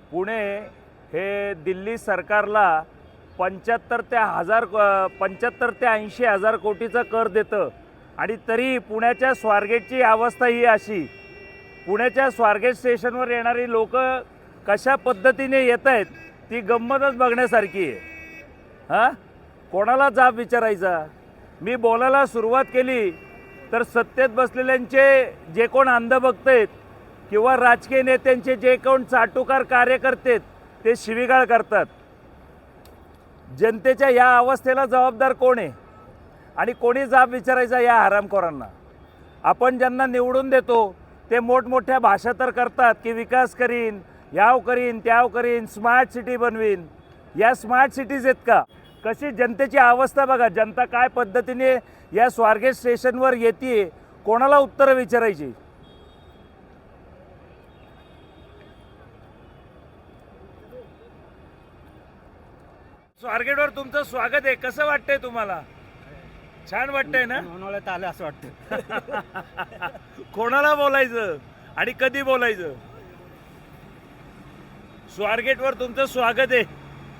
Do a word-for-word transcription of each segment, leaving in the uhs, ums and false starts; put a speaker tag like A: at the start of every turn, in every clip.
A: पुणे हे दिल्ली सरकारला पंच्याहत्तर ते हजार पंच्याहत्तर ते ऐंशी हजार कोटीचा कर देतं आणि तरी पुण्याच्या स्वारगेटची अवस्था ही अशी. पुण्याच्या स्वारगेट स्टेशनवर येणारी लोक कशा पद्धतीने येत आहेत ती गंमतच बघण्यासारखी आहे. हां, कोणाला जाब विचारायचा? मी बोलायला सुरुवात केली तर सत्तेत बसलेल्यांचे जे कोण अंधभक्त आहेत किंवा राजकीय नेत्यांचे जे कोण चाटुकार कार्यकर्ते आहेत ते शिवीगाळ करतात. जनतेच्या या अवस्थेला जबाबदार कोण आहे आणि कोणी जाब विचारायचा या हरामखोरांना? आपण ज्यांना निवडून देतो ते मोठमोठ्या भाषा तर करतात की विकास करीन, याव करीन, त्याव करीन, स्मार्ट सिटी बनवीन. या स्मार्ट सिटीज आहेत का? कशी जनतेची अवस्था बघा. जनता काय पद्धतीने या स्वारगेट स्टेशनवर येते, कोणाला उत्तरं विचारायची? स्वारगेटवर तुमचं स्वागत आहे. कसं वाटतंय तुम्हाला? छान वाटतंय ना?
B: म्हणून आलं असं वाटतं.
A: कोणाला बोलायचं आणि कधी बोलायचं? स्वारगेटवर तुमचं स्वागत आहे.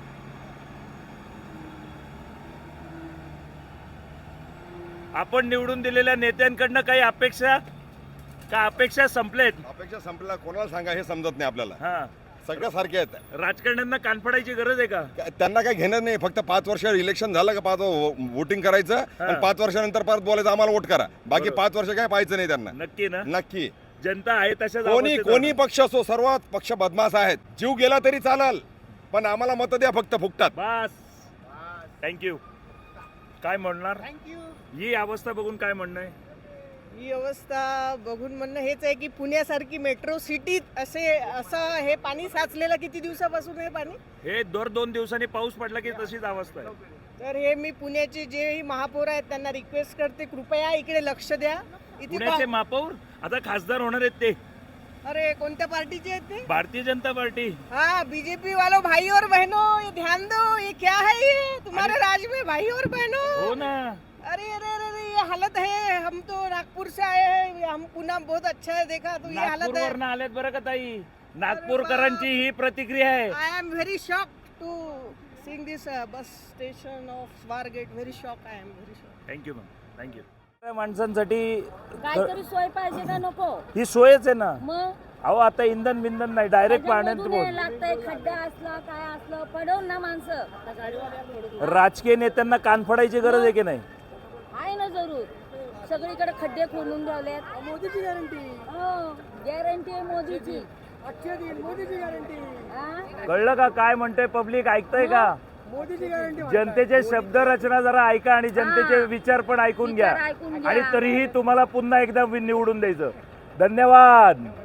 A: आपण निवडून दिलेल्या नेत्यांकडनं काही अपेक्षा का अपेक्षा संपलेत?
C: अपेक्षा संपल्या कोणाला सांगा हे समजत नाही आपल्याला.
A: हा,
C: सगळ्या सारखे आहेत.
A: राजकारण्यांना कान पडायची गरज आहे का?
C: त्यांना काही घेणं नाही. फक्त पाच वर्ष इलेक्शन झालं का पाच वोटिंग करायचं आणि पाच वर्षानंतर परत बोलायचं आम्हाला वोट करा. बाकी
A: बरोबर.
C: पाच वर्ष काय पाहायचं नाही त्यांना.
A: नक्की ना?
C: नक्की.
A: जनता आहे तशाच
C: कोणी
A: अवस्थेत
C: कोणी
A: आहे.
C: पक्ष असो सर्व पक्ष बदमाश आहेत. जीव गेला तरी चालल पण आम्हाला मत द्या फक्त फुकटात.
A: बस, थँक्यू. काय म्हणणार?
D: थँक्यू.
A: ही अवस्था बघून काय म्हणणं आहे?
D: ही अवस्था बघून म्हणणं हेच आहे की पुण्यासारखी मेट्रो सिटीत असे असं हे पाणी साचलेलं किती दिवसापासून हे पाणी.
A: हे दर दोन दिवसांनी पाऊस पडला की तशीच अवस्था आहे.
D: तर हे मी पुण्याचे जेही महापौर आहेत त्यांना रिक्वेस्ट करते कृपया इकडे लक्ष द्या. इथे
A: पुण्याचे
D: पा-
A: महापौर आता खासदार होणार आहेत ते
D: अरे कोणत्या पार्टीचे आहेत ते?
A: भारतीय जनता पार्टी.
D: हाँ, बीजेपी वालों भाई और बहनों ये ध्यान दो. ये क्या है? ये तुम्हारे राज में भाई और बहनों.
A: हो ना.
D: अरे अरे अरे अरे, ये हालत है. हम तो नागपुर से आए हैं. हम पुणे बहुत अच्छा है देखा तो ये हालत है.
A: नागपूरवरनं आलेत बरं का ताई. नागपूरकरांची ही प्रतिक्रिया आहे.
D: I am very shocked to seeing this uh, bus station of Swargate. Very shocked. I am very shocked.
A: Thank you ma'am, thank you. माणसांसाठी
E: काहीतरी सोय पाहिजे का नको?
A: ही सोयच आहे ना.
E: मग
A: अहो आता इंधन बिंधन नाही, डायरेक्ट पाण्यात
E: त्याच्यामधून
A: बोल.
E: हे लागतंय, खड्डा असला काय असलं पडवून ना माणसं.
A: राजकीय नेत्यांना कान फडायची गरज आहे की नाही?
E: आहे ना जरूर. सगळीकडे खड्डे खोलून ठेवलेत.
D: मोदीची गॅरंटी.
E: हो, गॅरंटी आहे मोदीची.
D: अच्छे दिन मोदीची गॅरंटी.
E: हा?
A: कळलं का काय म्हणतंय पब्लिक? ऐकतंय का?
D: मोदीची गॅरंटी.
A: जनतेचे शब्द रचना जरा ऐका आणि जनतेचे
E: हा.
A: विचार पण ऐकून घ्या
E: विचार ऐकून घ्या.
A: आणि तरीही तुम्हाला पुन्हा एकदा निवडून द्यायचं. धन्यवाद.